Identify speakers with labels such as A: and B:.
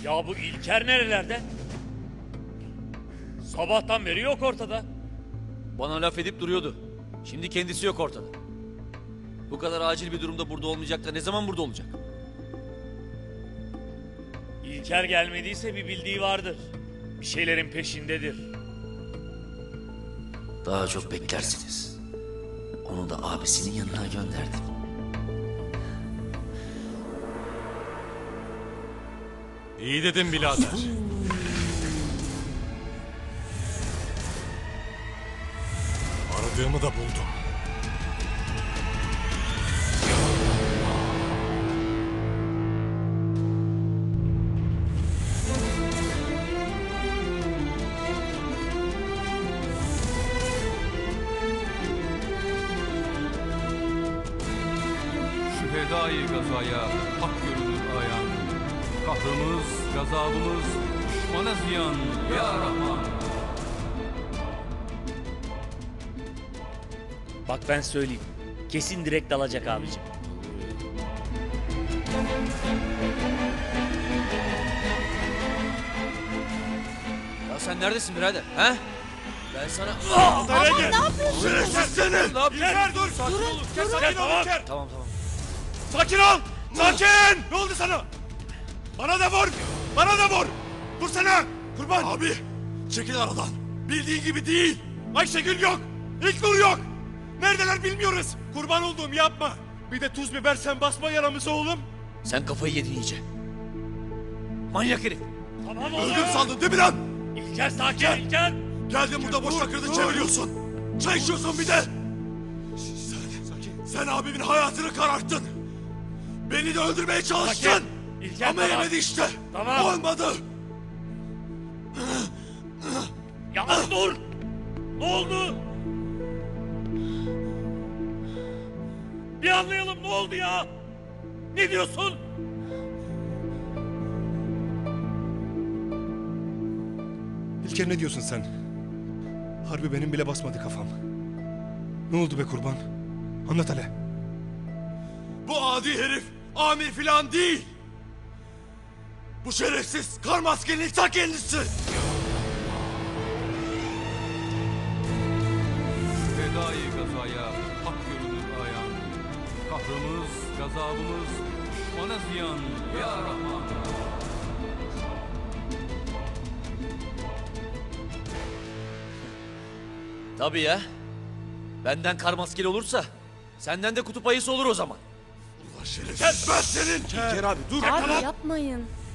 A: Ya bu İlker nerelerde? Sabahtan beri yok ortada.
B: Bana laf edip duruyordu. Şimdi kendisi yok ortada. Bu kadar acil bir durumda burada olmayacak da ne zaman burada olacak?
A: İlker gelmediyse bir bildiği vardır. Bir şeylerin peşindedir.
B: Daha çok beklersiniz. Onu da abisinin yanına gönderdim.
C: İyi dedim birader. Aradığımı da buldum.
D: Şühedai gazaya hak görünür ayan. Kahrımız, gazabımız düşmana ziyan ya Rahman.
A: Bak ben söyleyeyim. Kesin direkt dalacak abicim.
B: Ya sen neredesin birader? He? Ben sana...
E: Baba ne yapıyorsun?
C: Şerefsizsiniz!
B: Ne yapıyorsun?
C: İlker dur!
E: Durun,
C: Sakin ol İlker!
B: Tamam tamam.
C: Sakin ol! Sakin! Ne oldu sana? Bana da vur! Bana da vur! Dursana! Kurban! Abi! Çekil aradan! Bildiğin gibi değil! Ayşegül yok! İlknur yok! Neredeler bilmiyoruz! Kurban olduğum yapma! Bir de tuz biber sen basma yaramıza oğlum!
B: Sen kafayı yedin iyice. Manyak herif.
A: Tamam oğlum.
C: Öldüm sandın değil mi lan?
A: İlker sakin İlker.
C: Geldin burada boş takırdı çeviriyorsun! Çay içiyorsun bir de! Sen abimin hayatını kararttın! Beni de öldürmeye çalıştın!
A: Sakin. İlker,
C: Ama
A: tamam.
C: yemedi işte!
A: Tamam.
C: Olmadı!
A: Ya dur. Ne oldu? Bir anlayalım ne oldu ya? Ne diyorsun?
F: İlker ne diyorsun sen? Harbi benim bile basmadı kafam. Ne oldu be kurban? Anlat hele.
C: Bu adi herif amir filan değil! Bu şerefsiz kar maskenin ta kendisi!
D: Şühedai gazaya hak görünür ayan. Kahrımız, gazabımız düşmana ziyan ya Rahman.
B: Tabii ya. Benden kar maskeli olursa senden de kutup ayısı olur o zaman.
C: Ulan şerefsiz ben senin!
F: İlker abi dur.
E: Abi yapmayın.